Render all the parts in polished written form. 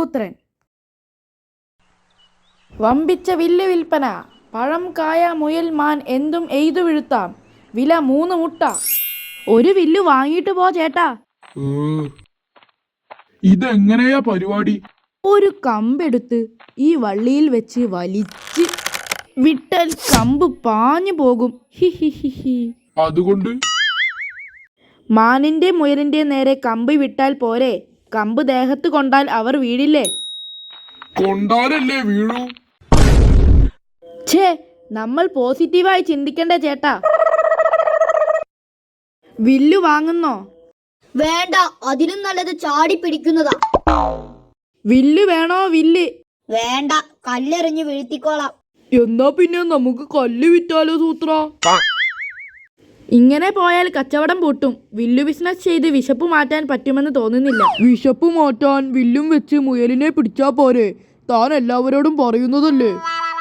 കാട്ടുപുത്രൻ. വമ്പിച്ച വില്ല് വിൽപ്പന. പഴം, കായ, മുയൽ, മാൻ എന്തും എയ്തു വീഴ്ത്താം. വില 3 മുട്ട. ഒരു വില്ല് വാങ്ങിയിട്ട് പോ ചേട്ടാ. ഇതെങ്ങനെയാ പരിപാടി? ഒരു കമ്പെടുത്ത് ഈ വള്ളിയിൽ വെച്ച് വലിച്ച് വിട്ടാൽ കമ്പ് പാഞ്ഞു പോകും. അതുകൊണ്ട് മാനിന്റെ മുയലിന്റെ നേരെ കമ്പ് വിട്ടാൽ പോരെ? കമ്പ് ദേഹത്ത് കൊണ്ടാൽ അവർ വീഴില്ലേ? കൊണ്ടാലല്ലേ വീഴൂ. ഛേ, നമ്മൾ പോസിറ്റീവായി ചിന്തിക്കണ്ടേ ചേട്ടാ. വില്ലു വാങ്ങുന്നോ? വേണ്ട, അതിലും നല്ലത് ചാടി പിടിക്കുന്നതാ. വില്ല് വേണോ? വില്ല് വേണ്ട, കല്ലെറിഞ്ഞ് വീഴ്ത്തിക്കോളാം. എന്നാ പിന്നെ നമുക്ക് കല്ല് വിറ്റാലോ സൂത്ര? ഇങ്ങനെ പോയാൽ കച്ചവടം പൂട്ടും. വില്ലു ബിസിനസ് ചെയ്ത് വിശപ്പ് മാറ്റാൻ പറ്റുമെന്ന് തോന്നുന്നില്ല. വിശപ്പ് മാറ്റാൻ വില്ലും വെച്ച് മുയലിനെ പിടിച്ചാ പോരെ? താൻ എല്ലാവരോടും പറയുന്നതല്ലേ.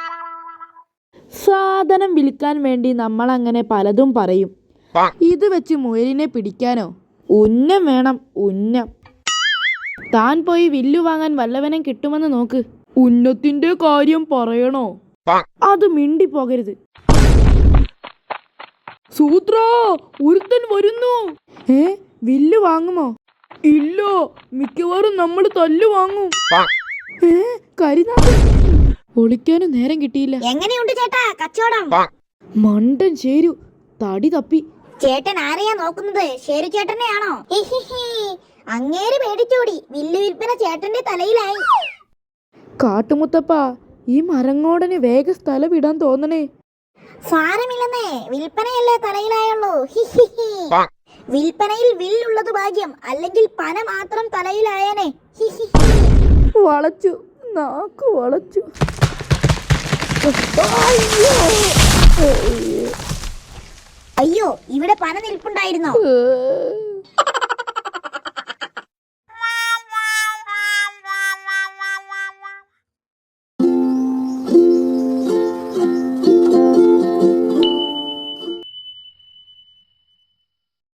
സാധനം വിൽക്കാൻ വേണ്ടി നമ്മൾ അങ്ങനെ പലതും പറയും. ഇത് വെച്ച് മുയലിനെ പിടിക്കാനോ? ഉന്നം വേണം, ഉന്നം. താൻ പോയി വില്ലു വാങ്ങാൻ വല്ലവനും കിട്ടുമെന്ന് നോക്ക്. ഉന്നത്തിന്റെ കാര്യം പറയണോ? അത് മിണ്ടി പോകരുത്. സൂത്ര, ഒരുത്തൻ വരുന്നു. വില്ല് വാങ്ങുമോ? ഇല്ല, മിക്കവാറും നമ്മൾ തല്ലു വാങ്ങും. കരിനാഥൻ, ഒളിക്കാനും നേരം കിട്ടിയില്ല. എങ്ങനെയുണ്ട് ചേട്ടാ കച്ചവടം? മണ്ടൻ ചേരു, തടി തപ്പി. ചേട്ടൻ ആരെയാ നോക്കുന്നത്? ശേരു ചേട്ടനെയാണോ? അങ്ങേര് പേടിച്ചോടി. വില്ല് വിൽപ്പന ചേട്ടന്റെ തലയിലായി. കാട്ടുമുത്തപ്പ, ഈ മരങ്ങോടന് വേഗ സ്ഥലം വിടാൻ തോന്നണേ. സാരമില്ലെന്നേ, വിൽപ്പനയല്ലേ തലയിലായുള്ളൂ. വിൽപ്പനയിൽ വില്ലുള്ളത് ഭാഗ്യം, അല്ലെങ്കിൽ പന മാത്രം തലയിലായനെ. വളച്ചു, നാക്ക് വളച്ചു. അയ്യോ, ഇവിടെ പന നിൽപ്പുണ്ടായിരുന്നോ?